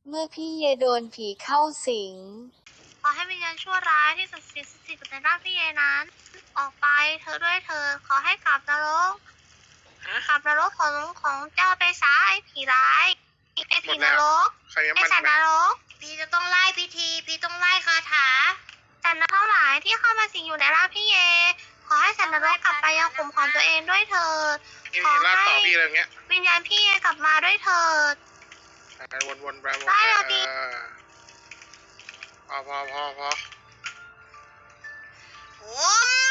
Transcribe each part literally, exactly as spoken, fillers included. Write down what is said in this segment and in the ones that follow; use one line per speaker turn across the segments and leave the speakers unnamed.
เมื่อพี่เยโดนผีเข้าสิง
ขอให้วิญญาณชั่วร้ายที่สัตว์สิทธิ์สถิตอยู่ในร่างพี่เยนั้น ออกไปเธอด้วยเธอขอให้กลับนรกกลับนรกของของเจ้าไปซะไอ้ผีร้ายไอ้ผีนรกไอ้สัตว์นรกพี่จะต้องไล่พิธีพี่ต้องไล่คาถาสัตว์นรกทั้งหลายที่เข้ามาสิงอยู่ในร่างพี่เยขอให้สัตว์นรกกลับไปยังขุมของตัวเองด้วยเถิดขอให้วิญญาณพี่เยกลับมาด้วยเถิด
วนๆไปวนๆ
ได้แล้วดิ
พอพอพอพอ
โอ้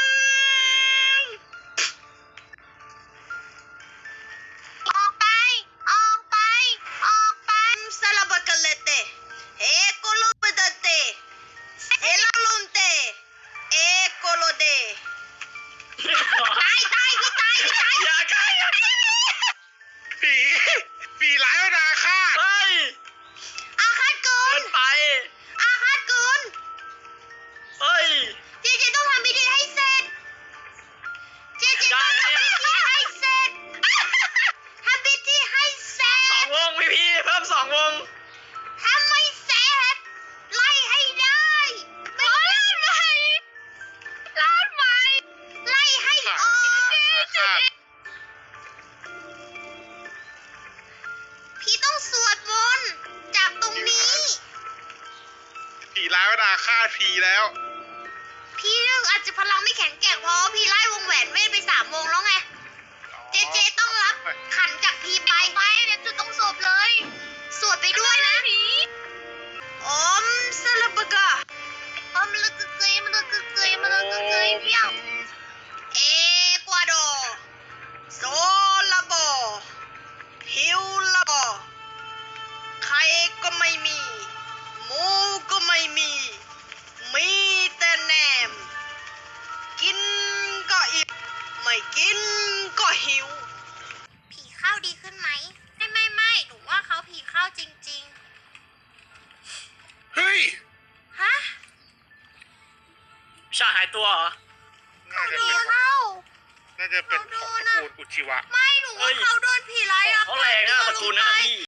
ออกไปออกไปออกไปซาลาบากาเลเตเอโกโลเบดเตเอลาลุนเตเอโกโลเดตายตายพี่ตายพี่ตาย
อย่าใกล้ผีผีร้ายนาฆาต
เฮ้ย
อาฆาตเกิ
เกิ
น
นไป
อาฆาตเกิน
เฮ้ย
เจเจต้องทำพิธีให้เสร็จเจเจต้องทำพิธีให้เสร็จทำพิธีให้เสร็
สอง
จ
วงพี่พี่เพิ่มสองวง
ถ้าไม่เสร็จไล่ให้ได้ไม่ลาดใหม่ลาดใหม่ไล่ให้ออกพี่ต้องสวดมนต์จากตรงนี้
ผีร้ายนาฆาตผีแล้ว
พี่เรื่องอาจจะพลังไม่แข็งแกร่งเพราะพี่ไล่วงแหวนเวทไปสามวงแล้วไงเจเจต้องรับขันจากพี่ไปไปเดี๋ยวจุดต้องศพเลยสวดไปด้วยนะอมสลับกะอมลึกเกยมันลึกเกยมันลึกเกยเพี้ยวเอกวาดอร์โซลาบอฮิวลาบอใครก็ไม่มีหมูก็ไม่มีมีแต่แหนมกินก็อิ่มไม่กินก็หิวผีเข้าดีขึ้นไหมไม่ไม่ไม่หนูว่าเขาผีเข้าจริง
เฮ้ย
ๆฮะ
ชาหายตัวเหรอ
น่าจะ
ผี
เป็น
เข้า
น่าจะเป็นของตระกูลอุจิวะ
ไม่หนูว่าเขาโดนผีไล่อะ
เขาแรงนะตระกูลนั้นนะพี่